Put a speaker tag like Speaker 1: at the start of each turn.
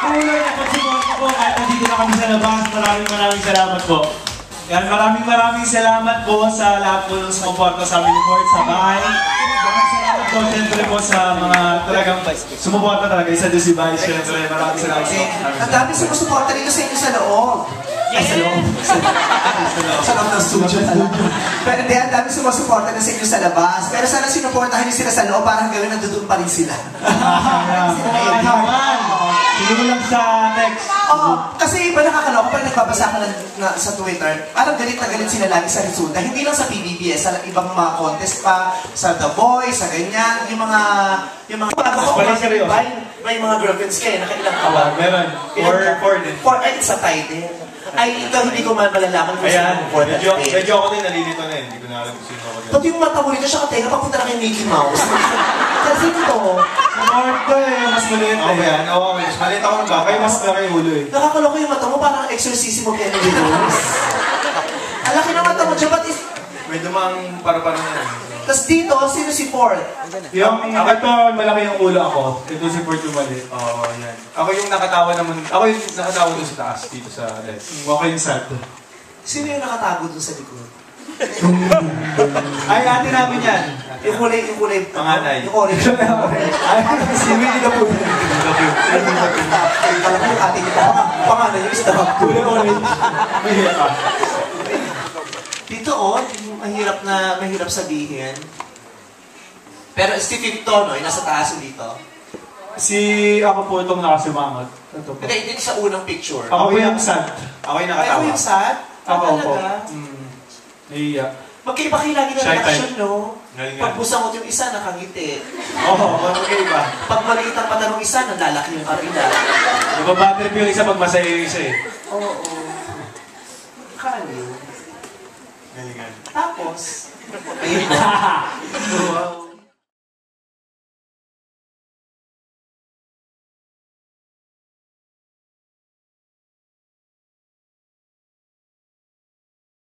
Speaker 1: patuloy na pagsuporta po kahit nandito na kami sa labas. Maraming salamat po. Yan, maraming salamat po sa lahat po ng sumuporta sa amin report sa bahay. Salamat po siyempre po sa mga talagang sumuporta talaga. Isa doon si Vice, siyempre maraming salamat po.
Speaker 2: Ang dami sumusuporta dito sa inyo sa loob. Sa loob. Sa loob ng studio pala. Pero hindi, ang dami sumusuporta na sa inyo sa labas. Pero sana sinuportahan niyo sila sa loob para hanggang nandoon pa rin sila.
Speaker 1: Hindi mo lang sa text.
Speaker 2: Oo, kasi iba nakakaloka pag nagbabasa ka sa Twitter, parang galit na galit sila lagi sa resulta. Hindi lang sa PBBS, sa ibang mga contest pa, sa The Voice, sa ganyan, yung mga may mga girlfriends kayo, nakailang kawan.
Speaker 1: Meron. Four din.
Speaker 2: Ay, sa tie din. Ay, ito hindi ko man malalaman kung
Speaker 1: sino
Speaker 2: four.
Speaker 1: Medyo ako din nalilito na hindi ko na alam kung sino ako din.
Speaker 2: Pati yung mata mo rito siya katenga, papunta na kay Mickey Mouse. Kasi ito,
Speaker 1: Marta eh, mas maliit eh. Okay, yan. Oo, mas maliit ako ng bakay, mas malaki yung ulo eh.
Speaker 2: Nakakaloka yung mata mo, parang exorcism of Emily Rose. Ang laki ng mata mo, Jabat is...
Speaker 1: May dumang para-para na yan.
Speaker 2: Tapos dito, sino si Ford?
Speaker 1: Yung, ito, malaki yung ulo ako. Ito si Ford yung maliit. Oo, yan. Ako yung nakatawa naman, ako yung nakatawa doon sa taas, dito sa left. Ako yung sad.
Speaker 2: Sino yung nakatago doon sa likod?
Speaker 1: Ay, ate namin yan.
Speaker 2: Yung kulay,
Speaker 1: panganay.
Speaker 2: Yung orange.
Speaker 1: Ay, si Winnie the Pooh.
Speaker 2: Alam mo yung ate nito, panganay yung isda.
Speaker 1: Kulay orange. Mahirap ka.
Speaker 2: Dito yung mahirap sabihin. Pero si Fifto, no? Yung nasa taas dito.
Speaker 1: Ako po itong nakasimangot. Ito po.
Speaker 2: Hindi sa unang picture.
Speaker 1: Ako yung sad. Ako yung nakatawa.
Speaker 2: Ako yung sad?
Speaker 1: Ako po. Naiiyak.
Speaker 2: Magkaiba kayo lagi ng reaction, no?
Speaker 1: Galingan.
Speaker 2: Pag busangot yung isa, nakangiti.
Speaker 1: Oo, magkaiba.
Speaker 2: Pag maliit ang mata ng isa, nalalaki yung kabila.
Speaker 1: Nababatrip yung isa pag masaya yung isa eh.
Speaker 2: Oo. Kaliw.
Speaker 1: Galingan.
Speaker 2: Tapos, ayun na.